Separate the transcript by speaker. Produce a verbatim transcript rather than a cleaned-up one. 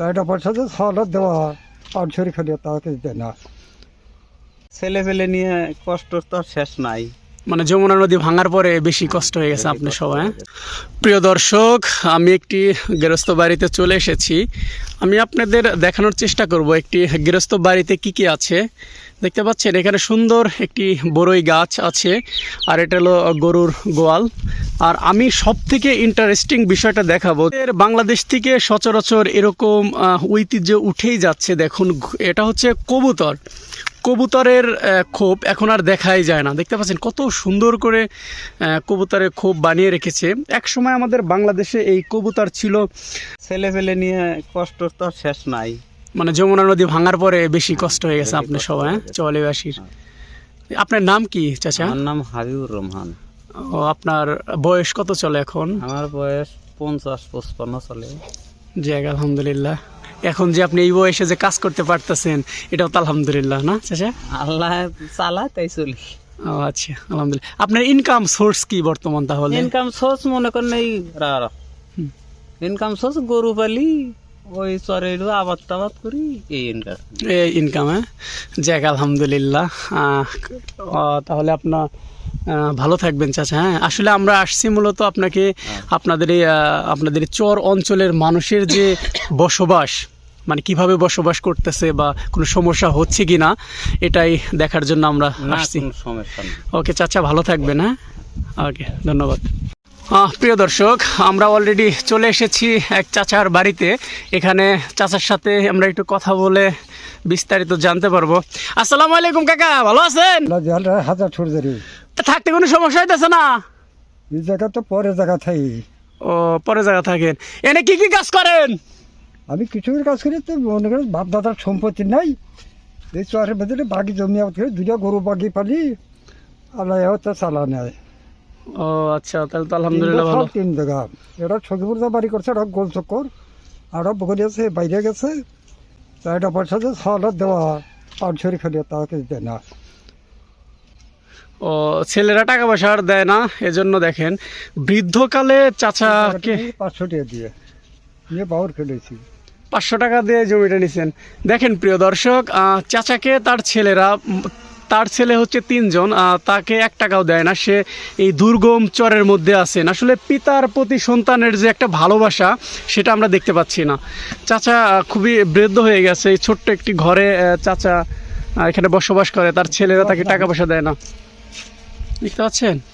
Speaker 1: চারটা পয়সা যে ছটা দেওয়া হয় পাঁচ ছড়ি খেলে তাকে দেয় না।
Speaker 2: ছেলে পেলে নিয়ে কষ্ট তো আর শেষ নাই।
Speaker 3: মানে যমুনা নদী ভাঙার পরে বেশি কষ্ট হয়ে গেছে আপনার সবাই। প্রিয় দর্শক, আমি একটি গৃহস্থ বাড়িতে চলে এসেছি। আমি আপনাদের দেখানোর চেষ্টা করব একটি গৃহস্থ বাড়িতে কি কি আছে। দেখতে পাচ্ছেন এখানে সুন্দর একটি বড়ই গাছ আছে, আর এটা হলো গরুর গোয়াল। আর আমি সব থেকে ইন্টারেস্টিং বিষয়টা দেখাবো, এর বাংলাদেশ থেকে সচরাচর এরকম ঐতিহ্য উঠেই যাচ্ছে। দেখুন, এটা হচ্ছে কবুতর। কবুতরের খোপ এখন আর দেখাই যায় না। দেখতে পাচ্ছেন কত সুন্দর করে কবুতরের খোপ বানিয়ে রেখেছে। এক সময় আমাদের বাংলাদেশে এই কবুতর ছিল।
Speaker 2: ছেলে পেলে নিয়ে কষ্ট তো আর শেষ নাই।
Speaker 3: মানে যমুনা নদী ভাঙার পরে বেশি কষ্ট হয়ে গেছে আপনার সবাই চৌয়ালিবাসীর। আপনার নাম কি চাচা?
Speaker 2: আমার নাম হাবিবুর রহমান।
Speaker 3: ও, আপনার বয়স কত চলে এখন?
Speaker 2: আমার বয়স পঞ্চাশ পঁচপান্ন চলে।
Speaker 3: যাক আলহামদুলিল্লাহ। এখন যে আপনি এই বয়সে যে কাজ করতে পারতেছেন এটাও তো আলহামদুলিল্লাহ, না চাচা?
Speaker 2: আল্লাহ চালা তাই চলি।
Speaker 3: ও আচ্ছা, আলহামদুলিল্লাহ। আপনার ইনকাম সোর্স কি বর্তমান তাহলে?
Speaker 2: ইনকাম সোর্স মনে করেন এই ইনকাম সোর্স গরু পালি, ওই চরে আবাদ টাবাদ করি, এই ইনকাম।
Speaker 3: এই ইনকাম, হ্যাঁ। যাক আলহামদুলিল্লাহ। আহ, তাহলে আপনার ভালো থাকবেন চাচা। হ্যাঁ, আসলে আমরা আসছি মূলত আপনাকে আপনাদের এই আপনাদের চর অঞ্চলের মানুষের যে বসবাস, মানে কিভাবে বসবাস করতেছে বা কোনো সমস্যা হচ্ছে কি না এটাই দেখার জন্য আমরা আসছি।
Speaker 2: সমস্যা নেই।
Speaker 3: ওকে চাচা, ভালো থাকবেন। হ্যাঁ, ওকে, ধন্যবাদ। প্রিয় দর্শক, আমরা অলরেডি চলে এসেছি এক চাচার বাড়িতে। এখানে চাচার সাথে আমরা একটু কথা বলে বিস্তারিত জানতে পারবো। আসসালামু আলাইকুম কাকা, ভালো আছেন?
Speaker 1: হাজার ছড় ধরি
Speaker 3: থাকতে কোনো সমস্যা হইতেছে না?
Speaker 1: এই জায়গা তো পরে জায়গা থাই।
Speaker 3: ও, পরে জায়গা থাকেন। এনে কি কি কাজ করেন?
Speaker 1: আমি কিছুর কাজ করি, তো মনে করেন বাপ দাদার সম্পত্তি নাই, এই চরের ভেতরে বাকি জমি আবাদ করে দুটো গরু বাকি পালি, আল্লাহ তো চালা নেয়।
Speaker 3: ও আচ্ছা, তাহলে তো আলহামদুলিল্লাহ ভালো।
Speaker 1: তিন জায়গা, এটা ছকিপুর যা বাড়ি করছে, এটা গোল চক্কর, আর বকরি আছে বাইরে গেছে। চারটা পয়সা যে ছটা দেওয়া হয় পাঁচ ছড়ি খেলে তাকে দেয় না।
Speaker 3: ও, ছেলেরা টাকা পয়সা আর দেয় না, এজন্য দেখেন বৃদ্ধকালে চাচাকে
Speaker 1: পাঁচশো টাকা দিয়ে নিয়ে বাউর খেলেছি।
Speaker 3: পাঁচশো টাকা দিয়ে জমিটা নিছেন। দেখেন প্রিয় দর্শক, চাচাকে তার ছেলেরা, তার ছেলে হচ্ছে তিনজন, তাকে এক টাকাও দেয় না। সে এই দুর্গম চরের মধ্যে আছেন। আসলে পিতার প্রতি সন্তানের যে একটা ভালোবাসা সেটা আমরা দেখতে পাচ্ছি না। চাচা খুবই বৃদ্ধ হয়ে গেছে। এই ছোট্ট একটি ঘরে চাচা এখানে বসবাস করে, তার ছেলেরা তাকে টাকা পয়সা দেয় না। দেখতে পাচ্ছেন?